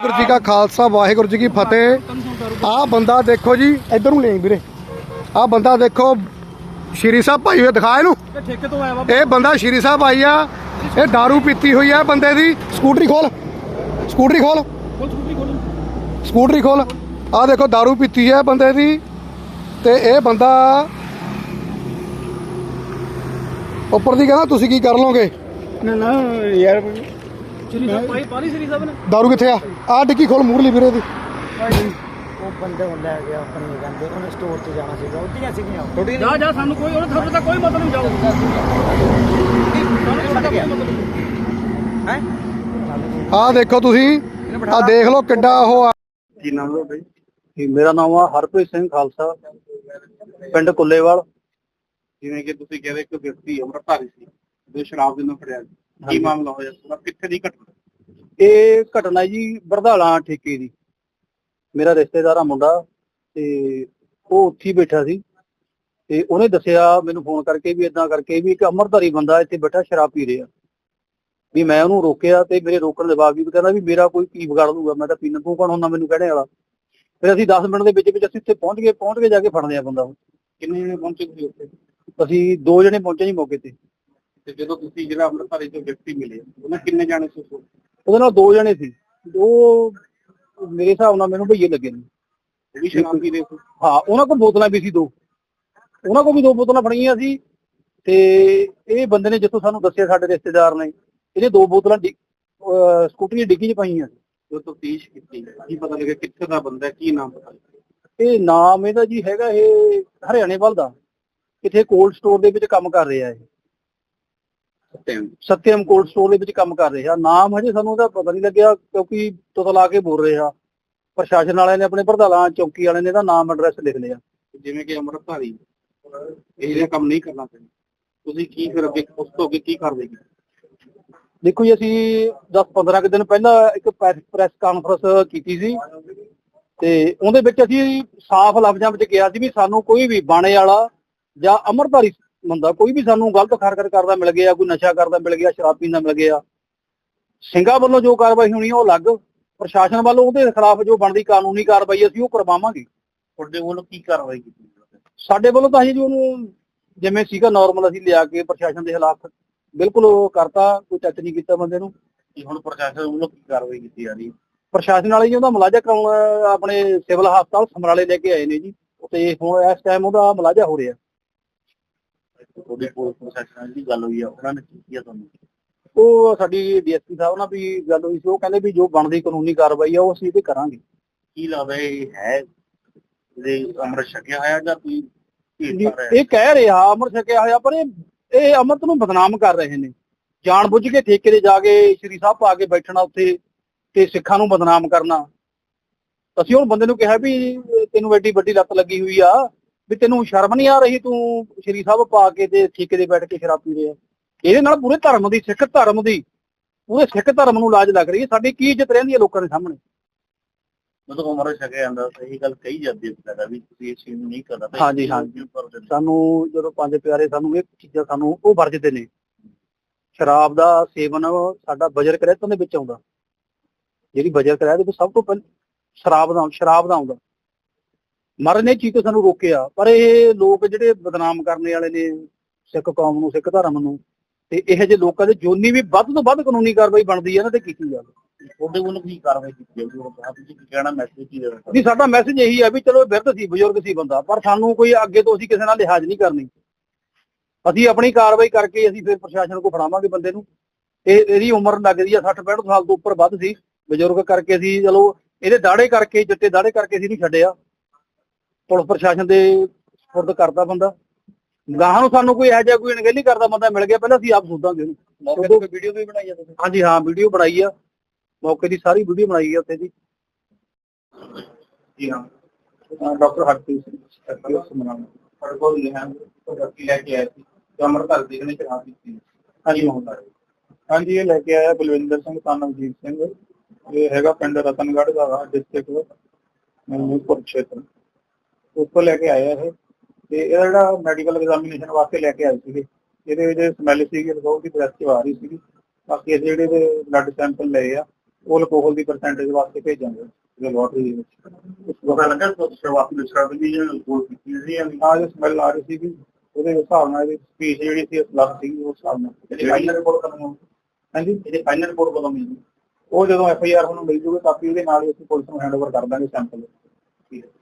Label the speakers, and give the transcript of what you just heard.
Speaker 1: वाहिगुरू जी का खालसा वाहिगुरू जी की फतेह। आ बंदा देखो जी, इधर ले वीरे, आ बंदा देखो श्री साहब भाई हुए दिखा इनू। ये बंदा श्री साहब आई आ, ये दारू पीती हुई है बंदे दी। स्कूटरी खोल, स्कूटरी खोल, स्कूटरी खोल। आ देखो दारू पीती है बंदे दी, ते ये बंदा उपर दी कहना तुसी की कर लोगे।
Speaker 2: ना यार
Speaker 1: दारू किथे आ डिग्गी खोल मूरली वीरे दी।
Speaker 2: ਉਹ ਬੰਦੇ ਨੂੰ ਲੈ ਗਿਆ ਆਪਣੀ ਕਹਿੰਦੇ ਉਹਨੇ ਸਟੋਰ ਤੇ ਜਾਣਾ ਸੀਗਾ ਉੱਡੀਆਂ ਸੀਗੀਆਂ ਥੋੜੀ ਜਾ ਜਾ ਸਾਨੂੰ ਕੋਈ ਉਹਨੇ ਤੁਹਾਡੇ ਤਾਂ ਕੋਈ ਮਤਲਬ ਨਹੀਂ ਜਾਓ ਹੈ
Speaker 1: ਆ ਦੇਖੋ ਤੁਸੀਂ ਆ ਦੇਖ ਲਓ ਕਿੱਡਾ ਉਹ ਆ।
Speaker 3: ਕੀ ਨਾਮ ਹੈ ਬਈ? ਮੇਰਾ ਨਾਮ ਆ ਹਰਪ੍ਰੀਤ ਸਿੰਘ ਖਾਲਸਾ, ਪਿੰਡ ਕੁੱਲੇਵਾਲ।
Speaker 4: ਜਿਵੇਂ ਕਿ ਤੁਸੀਂ ਕਹਿੰਦੇ ਇੱਕ ਵਿਅਕਤੀ ਅੰਮ੍ਰਿਤਧਾਰੀ ਸੀ ਜੋ ਸ਼ਰਾਬ ਦੇ ਨਾਲ ਫੜਿਆ, ਕੀ ਮਾਮਲਾ ਹੋਇਆ ਪੂਰਾ, ਕਿੱਥੇ ਦੀ ਘਟਨਾ?
Speaker 3: ਇਹ ਘਟਨਾ ਜੀ ਬਰਧਾਲਾ ਠੇਕੇ ਦੀ। ਮੇਰਾ ਰਿਸ਼ਤੇਦਾਰ ਆ ਮੁੰਡਾ, ਤੇ ਉਹ ਉੱਥੇ ਹੀ ਬੈਠਾ ਸੀ, ਤੇ ਉਹਨੇ ਦੱਸਿਆ ਮੈਨੂੰ ਫੋਨ ਕਰਕੇ ਵੀ ਇਦਾਂ ਕਰਕੇ ਵੀ ਇੱਕ ਅੰਮ੍ਰਿਤਧਾਰੀ ਬੰਦਾ ਇੱਥੇ ਬੈਠਾ ਸ਼ਰਾਬ ਪੀ ਰਿਹਾ। ਵੀ ਮੈਂ ਉਹਨੂੰ ਰੋਕਿਆ, ਤੇ ਮੇਰੇ ਰੋਕਣ ਦੇ ਬਾਵਜੂਦ ਕਹਿੰਦਾ ਵੀ ਮੇਰਾ ਕੋਈ ਕੀ ਵਿਗਾੜ ਲੂਗਾ, ਮੈਂ ਤਾਂ ਪੀਣਾ, ਤੂੰ ਕੌਣ ਹੁੰਦਾ ਮੈਨੂੰ ਕਹਿਣੇ ਵਾਲਾ। ਫਿਰ ਅਸੀਂ 10 ਮਿੰਟ ਦੇ ਵਿੱਚ ਅਸੀਂ ਉੱਥੇ ਪਹੁੰਚ ਕੇ ਜਾ ਕੇ ਫੜਦੇ ਆ ਬੰਦਾ।
Speaker 4: ਕਿੰਨੇ ਜਣੇ ਪਹੁੰਚੇ ਤੁਸੀਂ ਉੱਥੇ?
Speaker 3: ਅਸੀਂ 2 ਜਣੇ ਪਹੁੰਚੇ ਜੀ ਮੌਕੇ ਤੇ।
Speaker 4: ਤੇ ਜਦੋਂ ਤੁਸੀਂ ਜਿਹੜਾ ਅੰਮ੍ਰਿਤਧਾਰੀ ਤੋਂ ਵਿਅਕਤੀ ਮਿਲੇ ਉਹਨਾਂ ਕਿੰਨੇ ਜਾਣੇ ਸੀ?
Speaker 3: ਉਹਦੇ ਨਾਲ 2 ਜਣੇ ਸੀ। ਉਹ ਮੇਰੇ ਹਿਸਾਬ ਨਾਲ ਮੈਨੂੰ ਭਈਏ ਲੱਗੇ ਨੇ।
Speaker 4: ਉਹ ਵੀ ਸ਼ਰਾਬ ਪੀ ਰਹੇ ਸੀ?
Speaker 3: ਹਾਂ, ਉਹਨਾਂ ਕੋਲ ਬੋਤਲਾਂ ਵੀ ਸੀ 2, ਉਹਨਾਂ ਕੋਲ ਵੀ 2 ਬੋਤਲਾਂ ਫੜੀਆਂ ਸੀ। ਤੇ ਇਹ ਬੰਦੇ ਨੇ ਜਿੱਥੋਂ ਸਾਨੂੰ ਦੱਸਿਆ ਸਾਡੇ ਰਿਸ਼ਤੇਦਾਰ ਨੇ, ਇਹਦੇ 2 ਬੋਤਲਾਂ ਸਕੂਟਰੀ ਦੀ ਡਿੱਗੀ 'ਚ ਪਾਈਆਂ।
Speaker 4: ਜੋ ਤਫਤੀਸ਼ ਕੀਤੀ ਕੀ ਪਤਾ ਲੱਗਿਆ ਕਿੱਥੇ ਦਾ ਬੰਦਾ, ਕੀ ਨਾਮ ਪਤਾ?
Speaker 3: ਇਹ ਨਾਮ ਇਹਦਾ ਜੀ ਹੈਗਾ, ਇਹ ਹਰਿਆਣੇ ਵੱਲ ਦਾ, ਕਿਥੇ ਕੋਲਡ ਸਟੋਰ ਦੇ ਵਿੱਚ ਕੰਮ ਕਰ ਰਿਹਾ। ਇਹ ਸਤਿਅਮ ਕੋਲਡ ਸਟੋਰ ਦੇ ਵਿੱਚ ਕੰਮ ਕਰ ਰਿਹਾ। ਨਾਮ ਹਜੇ ਸਾਨੂੰ ਉਹਦਾ ਪਤਾ ਨਹੀਂ ਲੱਗਿਆ, ਕਿਉਂਕਿ ਤੁਤਲਾ ਕੇ ਬੋਲ ਰਿਹਾ। ਪ੍ਰਸ਼ਾਸਨ ਵਾਲਿਆਂ ਨੇ, ਆਪਣੇ ਪ੍ਰਧਾਨਾਂ ਚੌਕੀ ਵਾਲਿਆਂ ਨੇ ਇਹਦਾ ਨਾਮ ਐਡਰੈਸ ਲਿਖ ਲਿਆ।
Speaker 4: ਜਿਵੇਂ ਕਿ ਅੰਮ੍ਰਿਤਧਾਰੀ ਇਹ ਜਿਹਾ ਕੰਮ ਨਹੀਂ ਕਰਨਾ ਚਾਹੀਦਾ, ਤੁਸੀਂ ਕੀ ਫਿਰ ਅੱਗੇ ਉਸ ਤੋਂ ਅੱਗੇ ਕੀ ਕਾਰਵਾਈ ਕੀਤੀ?
Speaker 3: ਦੇਖੋ ਜੀ, ਅਸੀਂ 10-15 ਦਿਨ ਪਹਿਲਾਂ ਇੱਕ ਪ੍ਰੈਸ ਕਾਨਫਰੰਸ ਕੀਤੀ ਸੀ, ਤੇ ਉਹਦੇ ਵਿੱਚ ਅਸੀਂ ਸਾਫ਼ ਲਫ਼ਜ਼ਾਂ ਵਿੱਚ ਕਿਹਾ ਸੀ ਵੀ ਸਾਨੂੰ ਕੋਈ ਵੀ ਬਾਣੇ ਵਾਲਾ ਜਾਂ ਅੰਮ੍ਰਿਤਧਾਰੀ ਬੰਦਾ ਕੋਈ ਵੀ ਸਾਨੂੰ ਗਲਤ ਹਰਕਤ ਕਰਦਾ ਮਿਲ ਗਿਆ, ਕੋਈ ਨਸ਼ਾ ਕਰਦਾ ਮਿਲ ਗਿਆ, ਸ਼ਰਾਬ ਪੀਂਦਾ ਮਿਲ ਗਿਆ, ਸਿੰਘਾਂ ਵੱਲੋਂ ਜੋ ਕਾਰਵਾਈ ਹੋਣੀ ਉਹ ਅਲੱਗ, ਪ੍ਰਸ਼ਾਸਨ ਵੱਲੋਂ ਉਹਦੇ ਖਿਲਾਫ ਜੋ ਬਣਦੀ ਕਾਨੂੰਨੀ ਕਾਰਵਾਈ ਅਸੀਂ ਉਹ ਕਰਵਾਵਾਂਗੇ।
Speaker 4: ਤੁਹਾਡੇ ਵੱਲੋਂ ਕੀ ਕਾਰਵਾਈ ਕੀਤੀ?
Speaker 3: ਸਾਡੇ ਵੱਲੋਂ ਤਾਂ ਅਸੀਂ ਜੀ ਉਹਨੂੰ ਜਿਵੇਂ ਸੀਗਾ ਨਾਰਮਲ ਅਸੀਂ ਲਿਆ ਕੇ ਪ੍ਰਸ਼ਾਸਨ ਦੇ ਖਿਲਾਫ ਬਿਲਕੁਲ ਉਹ ਕਰਤਾ, ਕੋਈ ਟੱਚ ਨਹੀਂ ਕੀਤਾ ਬੰਦੇ ਨੂੰ।
Speaker 4: ਹੁਣ ਪ੍ਰਸ਼ਾਸਨ ਵੱਲੋਂ ਕੀ ਕਾਰਵਾਈ ਕੀਤੀ ਜਾ ਰਹੀ ਹੈ?
Speaker 3: ਪ੍ਰਸ਼ਾਸਨ ਵਾਲੇ ਜੀ ਉਹਦਾ ਮੁਲਾਜ਼ਾ ਕਰਾਉਣ ਆਪਣੇ ਸਿਵਲ ਹਸਪਤਾਲ ਸਮਰਾਲੇ ਲੈ ਕੇ ਆਏ ਨੇ ਜੀ, ਤੇ ਹੁਣ ਇਸ ਟਾਈਮ ਉਹਦਾ ਮੁਲਾਜ਼ਾ ਹੋ ਰਿਹਾ।
Speaker 4: ਤੁਹਾਡੇ ਕੋਲ ਪ੍ਰਸ਼ਾਸਨ ਦੀ ਗੱਲ ਹੋਈ ਆ, ਉਹਨਾਂ ਨੇ ਕੀ ਕੀਤਾ ਤੁਹਾਨੂੰ?
Speaker 3: ਉਹ ਸਾਡੀ ਡੀਐਸਪੀ ਸਾਹਿਬ ਨਾਲ ਵੀ ਗੱਲ ਹੋਈ ਸੀ, ਉਹ ਕਹਿੰਦੇ ਵੀ ਜੋ ਬਣਦੀ ਕਾਨੂੰਨੀ ਕਾਰਵਾਈ ਆ ਉਹ ਅਸੀਂ ਇਹਦੇ ਕਰਾਂਗੇ।
Speaker 4: ਕੀ ਲੱਗਦਾ ਇਹ ਹੈ ਇਹਦੇ ਅੰਮ੍ਰਿਤ ਛਕਿਆ ਹੋਇਆ ਜਾਂ ਕੋਈ
Speaker 3: ਇਹ ਕਹਿ ਰਿਹਾ ਅੰਮ੍ਰਿਤ ਛਕਿਆ ਹੋਇਆ, ਪਰ ਇਹ ਅੰਮ੍ਰਿਤ ਨੂੰ ਬਦਨਾਮ ਕਰ ਰਹੇ ਨੇ ਜਾਣ ਬੁੱਝ ਕੇ। ਠੇਕੇ ਤੇ ਜਾ ਕੇ ਸ਼੍ਰੀ ਸਾਹਿਬ ਪਾ ਕੇ ਬੈਠਣਾ ਉੱਥੇ, ਤੇ ਸਿੱਖਾਂ ਨੂੰ ਬਦਨਾਮ ਕਰਨਾ। ਅਸੀਂ ਹੁਣ ਬੰਦੇ ਨੂੰ ਕਿਹਾ ਵੀ ਤੈਨੂੰ ਐਡੀ ਵੱਡੀ ਲੱਤ ਲੱਗੀ ਹੋਈ ਆ, ਵੀ ਤੈਨੂੰ ਸ਼ਰਮ ਨਹੀਂ ਆ ਰਹੀ, ਤੂੰ ਸ਼੍ਰੀ ਸਾਹਿਬ ਪਾ ਕੇ ਤੇ ਠੇਕੇ ਤੇ ਬੈਠ ਕੇ ਸ਼ਰਾਬ ਪੀ ਰਿਹਾ। ਇਹਦੇ ਨਾਲ ਪੂਰੇ ਧਰਮ ਦੀ, ਸਿੱਖ ਧਰਮ ਦੀ, ਪੂਰੇ ਸਿੱਖ ਧਰਮ ਨੂੰ ਲਾਜ ਲੱਗ ਰਹੀ ਹੈ। ਸਾਡੀ ਕੀ ਇੱਜ਼ਤ ਰਹਿੰਦੀ ਹੈ ਲੋਕਾਂ ਦੇ ਸਾਹਮਣੇ?
Speaker 4: ਮਤਲਬ ਅੰਮ੍ਰਿਤ ਛਕਿਆ ਜਾਂਦਾ ਸਹੀ ਗੱਲ ਕਹੀ ਜਾਂਦੀ ਹੈ ਵੀ ਤੁਸੀਂ ਇਸ ਚੀਜ਼ ਨੂੰ ਨਹੀਂ ਕਰਨਾ।
Speaker 3: ਹਾਂਜੀ ਹਾਂਜੀ, ਸਾਨੂੰ ਜਦੋਂ ਪੰਜ ਪਿਆਰੇ ਸਾਨੂੰ ਇਹ ਚੀਜ਼ਾਂ ਸਾਨੂੰ ਉਹ ਵਰਜਦੇ ਨੇ। ਸ਼ਰਾਬ ਦਾ ਸੇਵਨ ਸਾਡਾ ਬਜਰ ਕ੍ਰੈਤਾਂ ਦੇ ਵਿੱਚ ਆਉਂਦਾ, ਜਿਹੜੀ ਬਜਰ ਕ੍ਰੈਤ ਦੇ ਵਿੱਚ ਸਭ ਤੋਂ ਪਹਿਲਾਂ ਸ਼ਰਾਬ ਦਾ ਆਉਂਦਾ। ਮਹਾਰਾਜ ਨੇ ਇਹ ਚੀਜ਼ ਤੋਂ ਸਾਨੂੰ ਰੋਕਿਆ, ਪਰ ਇਹ ਲੋਕ ਜਿਹੜੇ ਬਦਨਾਮ ਕਰਨੇ ਵਾਲੇ ਨੇ ਸਿੱਖ ਕੌਮ ਨੂੰ, ਸਿੱਖ ਧਰਮ ਨੂੰ, ਤੇ ਇਹੋ ਜਿਹੇ ਲੋਕਾਂ ਦੇ ਜੋਨੀ ਵੀ ਵੱਧ ਤੋਂ ਵੱਧ ਕਾਨੂੰਨੀ ਕਾਰਵਾਈ ਬਣਦੀ ਹੈ ਨਾ, ਤੇ ਕੀਤੀ ਜਾਵੇ।
Speaker 4: ਤੁਹਾਡੇ ਵੱਲੋਂ ਕੀ ਕਾਰਵਾਈ ਕੀਤੀ ਜਾਊਗੀ? ਤੁਸੀਂ ਕੀ ਕਹਿਣਾ, ਮੈਸੇਜ ਕੀ ਦੇਣਾ?
Speaker 3: ਨਹੀਂ, ਸਾਡਾ ਮੈਸੇਜ ਇਹੀ ਹੈ ਵੀ ਚਲੋ ਬਿਰਧ ਸੀ, ਬਜ਼ੁਰਗ ਸੀ ਬੰਦਾ, ਪਰ ਸਾਨੂੰ ਕੋਈ ਅੱਗੇ ਤੋਂ ਅਸੀਂ ਕਿਸੇ ਨਾਲ ਲਿਹਾਜ਼ ਨਹੀਂ ਕਰਨੀ। ਅਸੀਂ ਆਪਣੀ ਕਾਰਵਾਈ ਕਰਕੇ ਅਸੀਂ ਫਿਰ ਪ੍ਰਸ਼ਾਸਨ ਕੋਲ ਫੜਾਵਾਂਗੇ ਬੰਦੇ ਨੂੰ। ਇਹਦੀ ਉਮਰ ਲੱਗਦੀ ਆ 60-65 ਸਾਲ ਤੋਂ ਉੱਪਰ ਵੱਧ ਸੀ, ਬਜ਼ੁਰਗ ਕਰਕੇ ਅਸੀਂ ਚਲੋ ਇਹਦੇ ਦਾੜੇ ਕਰਕੇ, ਚਿੱਟੇ ਦਾੜੇ ਕਰਕੇ ਅਸੀਂ ਨਹੀਂ ਛੱਡਿਆ। ਪੁਲਿਸ ਪ੍ਰਸ਼ਾਸਨ ਦੇ ਸਪੁਰਦ ਕਰਦਾ ਬੰਦਾ। ਗਾਹਾਂ ਨੂੰ ਸਾਨੂੰ ਕੋਈ ਇਹੋ ਜਿਹਾ ਕੋਈ ਅਣਗਹਿਲੀ ਕਰਦਾ ਬੰਦਾ ਮਿਲ ਗਿਆ, ਪਹਿਲਾਂ ਅਸੀਂ ਆਪ ਸੋਧਾਂਗੇ ਉਹਨੂੰ।
Speaker 4: ਮੌਕੇ ਤੇ ਵੀਡੀਓ ਵੀ ਬਣਾਈ ਆ ਤੁਸੀਂ?
Speaker 3: ਹਾਂਜੀ ਹਾਂ, ਵੀਡੀਓ ਬਣਾਈ ਆ, ਮੌਕੇ ਦੀ ਸਾਰੀ ਵੀਡੀਓ ਬਣਾਈ ਆ ਉੱਥੇ ਦੀ।
Speaker 4: ਜੀ ਹਾਂ, ਡਾਕਟਰ ਹਰਪ੍ਰੀਤ ਸਿੰਘ ਸਮਰਾਲਾ ਸਾਡੇ ਕੋਲ ਵਿਅਕਤੀ ਲੈ ਕੇ ਆਇਆ ਸੀ ਜੋ ਅੰਮ੍ਰਿਤਧਾਰੀ ਦੀ ਨੇ ਸ਼ਰਾਬ ਪੀਤੀ। ਹਾਂਜੀ ਹੁੰਦਾ ਹੈ।
Speaker 5: ਹਾਂਜੀ, ਇਹ ਲੈ ਕੇ ਆਇਆ ਬਲਵਿੰਦਰ ਸਿੰਘ ਤਾਨਵਜੀਤ ਸਿੰਘ, ਇਹ ਹੈਗਾ ਪਿੰਡ ਰਤਨਗੜ੍ਹ ਦਾ, ਡਿਸਟ੍ਰਿਕਟ ਮਨੂਪੁਰ ਖੇਤਰ, ਉੱਥੋਂ ਲੈ ਕੇ ਆਇਆ ਇਹ। ਤੇ ਇਹਦਾ ਜਿਹੜਾ ਮੈਡੀਕਲ ਐਗਜ਼ਾਮੀਨੇਸ਼ਨ ਵਾਸਤੇ ਲੈ ਕੇ ਆਏ ਸੀਗੇ, ਇਹਦੇ ਵਿੱਚ ਸਮੈਲ ਸੀਗੀ, ਬਹੁਤ ਦੀ ਬ੍ਰੈਥ 'ਚ ਆ ਰਹੀ ਸੀਗੀ। ਬਾਕੀ ਅਸੀਂ ਜਿਹੜੇ ਬਲੱਡ ਸੈਂਪਲ ਲਏ ਆ, ਉਹ ਅਲਕੋਹਲ ਦੀ ਪਰਸੈਂਟੇਜ ਵਾਸਤੇ ਭੇਜਾਂਗੇ ਲੈਬੋਰਟਰੀ ਦੇ ਵਿੱਚ।
Speaker 4: ਪਤਾ ਲੱਗਾ ਸ਼ੁਰੂਆਤੀ ਸ਼ਰਾਬ ਦੀ ਗੋਲ ਕੀਤੀ ਸੀ
Speaker 5: ਆ ਜੋ ਸਮੈਲ ਆ ਰਹੀ ਸੀਗੀ ਉਹਦੇ ਹਿਸਾਬ ਨਾਲ ਇਹਦੀ ਸਪੀਚ ਜਿਹੜੀ ਸੀ ਲੱਗ ਸੀਗੀ ਉਸ ਹਿਸਾਬ ਨਾਲ।
Speaker 4: ਇਹਦੀ ਫਾਈਨਲ ਰਿਪੋਰਟ ਕਦੋਂ ਹੋਊਗੀ?
Speaker 5: ਹਾਂਜੀ,
Speaker 4: ਇਹਦੀ ਫਾਈਨਲ ਰਿਪੋਰਟ ਕਦੋਂ ਮਿਲੂਗੀ?
Speaker 5: ਉਹ ਜਦੋਂ FIR ਤੁਹਾਨੂੰ ਮਿਲ ਜੂਗੀ ਕਾਪੀ ਉਹਦੇ ਨਾਲ ਹੀ ਅਸੀਂ ਪੁਲਿਸ ਨੂੰ ਹੈਂਡਓਵਰ ਕਰ ਦਾਂਗੇ ਸੈਂਪਲ।
Speaker 4: ਠੀਕ ਹੈ।